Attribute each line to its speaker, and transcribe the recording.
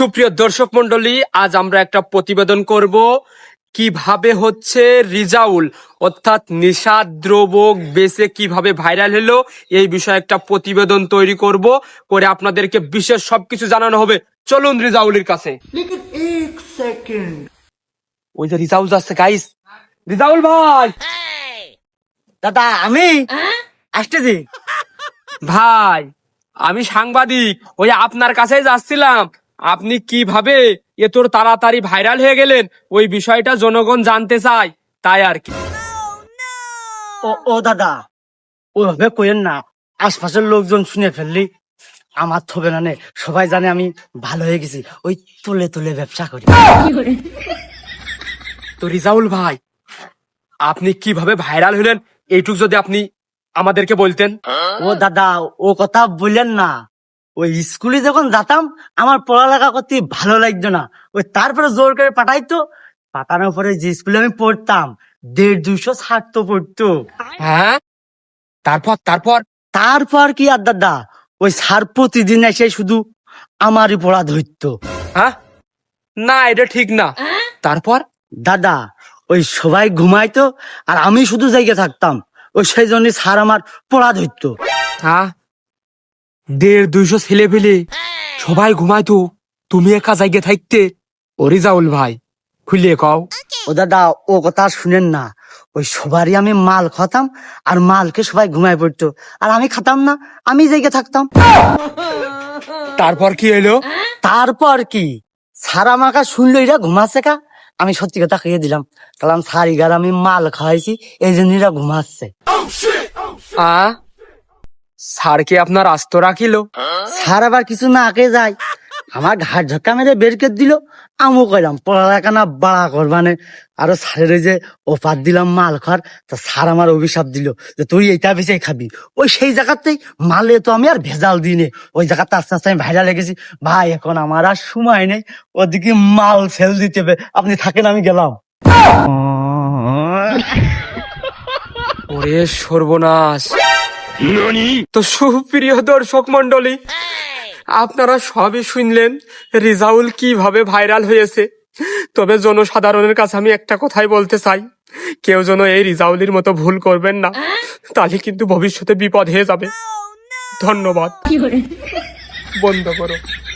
Speaker 1: সুপ্রিয় দর্শক মন্ডলী, আজ আমরা একটা প্রতিবেদন করব কিভাবে হচ্ছে রিজাউল অর্থাৎ নিশাদ্রব্য বেচে কিভাবে ভাইরাল হলো এই বিষয়ে একটা প্রতিবেদন তৈরি করব, করে আপনাদেরকে বিশেষ সবকিছু জানানো হবে। চলুন রিজাউলের কাছে। ওই যে রিজাউল যাচ্ছে গাইস। রিজাউল ভাই,
Speaker 2: দাদা আমি আসতেছি।
Speaker 1: ভাই আমি সাংবাদিক, ওই আপনার কাছেই যাচ্ছিলাম। আপনি কিভাবে এত তাড়াতাড়ি ভাইরাল হয়ে গেলেন ওই বিষয়টা জনগণ জানতে চায়, তাই আর কি।
Speaker 2: ও দাদা, ওইভাবে কইেন না, আশপাশের লোকজন শুনে ফেললি আমার থবে না নে। সবাই জানে আমি ভালো হয়ে গেছি, ওই তুলে তুলে ব্যবসা করি।
Speaker 1: তো রিজাউল ভাই, আপনি কিভাবে ভাইরাল হলেন এইটুক যদি আপনি আমাদেরকে বলতেন।
Speaker 2: ও দাদা, ও কথা বললেন না। ওই স্কুলে যখন যেতাম আমার পড়ালেখা করতে ভালো লাগতো না, ওই তারপরে জোর করে পাঠাইতো। পাঠানোর পরে যে স্কুলে আমি পড়তাম 150-200 ছাত্র পড়তো।
Speaker 1: হ্যাঁ, তারপর তারপর
Speaker 2: তারপর কি আর দাদা, ওই স্যার প্রতিদিন এসে শুধু আমারই পড়া ধরতো।
Speaker 1: হ্যাঁ, না এটা ঠিক না। তারপর
Speaker 2: দাদা, ওই সবাই ঘুমাইতো আর আমি শুধু জায়গা থাকতাম, ওই সেই জন্য স্যার আমার পড়া ধরতো।
Speaker 1: হ্যাঁ, 150-200 ছেলে পেলে সবাই ঘুমাইতো, তুমি একা জায়গায় থাকতে। ও রিজাউল ভাই, খুলিয়ে কও।
Speaker 2: ও দাদা, ও কথা আর শুনেন না। ওই সবারই আমি মাল খাতাম আর মালকে সবাই ঘুমায় পড়তো, আর আমি খাতাম না, আমি জায়গা থাকতাম।
Speaker 1: তারপর কি এলো?
Speaker 2: তারপর কি, স্যার আমাকে শুনলো এরা ঘুমাচ্ছে কা, আমি সত্যি কথা খেয়ে দিলাম। কারণ স্যার ইগার আমি মাল খাওয়াইছি, এই জন্য এরা ঘুমাচ্ছে।
Speaker 1: স্যার কি আপনার আস্ত রাখিল?
Speaker 2: স্যার আবার কিছু না আঁকে যায়, আমার ঘাট ঝক্কা মেরে বের করে দিল। আমও কইলাম পড়ালেখা না বাড়া করবানে। আরো স্যারের ওই যে অফার দিলাম মাল খার, তা স্যার আমার অভিশাপ দিল যে তুই এইটা বেঁচে খাবি। ওই সেই জায়গাতেই মালে তো আমি আর ভেজাল দিনে, ওই জায়গাতে আস্তে আস্তে আমি ভাইরাল লেগেছি। ভাই এখন আমার আর সময় নেই, ওদিকে মাল সেল দিতে হবে, আপনি থাকেন আমি গেলাম।
Speaker 1: ওরে সর্বনাশ! তো সুপ্রিয় দর্শক মন্ডলী, আপনারা সবই শুনলেন রিজাউল কিভাবে ভাইরাল হয়েছে। তবে জনসাধারণের কাছে আমি একটা কথাই বলতে চাই, কেউ যেন এই রিজাউলের মতো ভুল করবেন না, তাহলে কিন্তু ভবিষ্যতে বিপদ হয়ে যাবে। ধন্যবাদ। বন্ধ করো।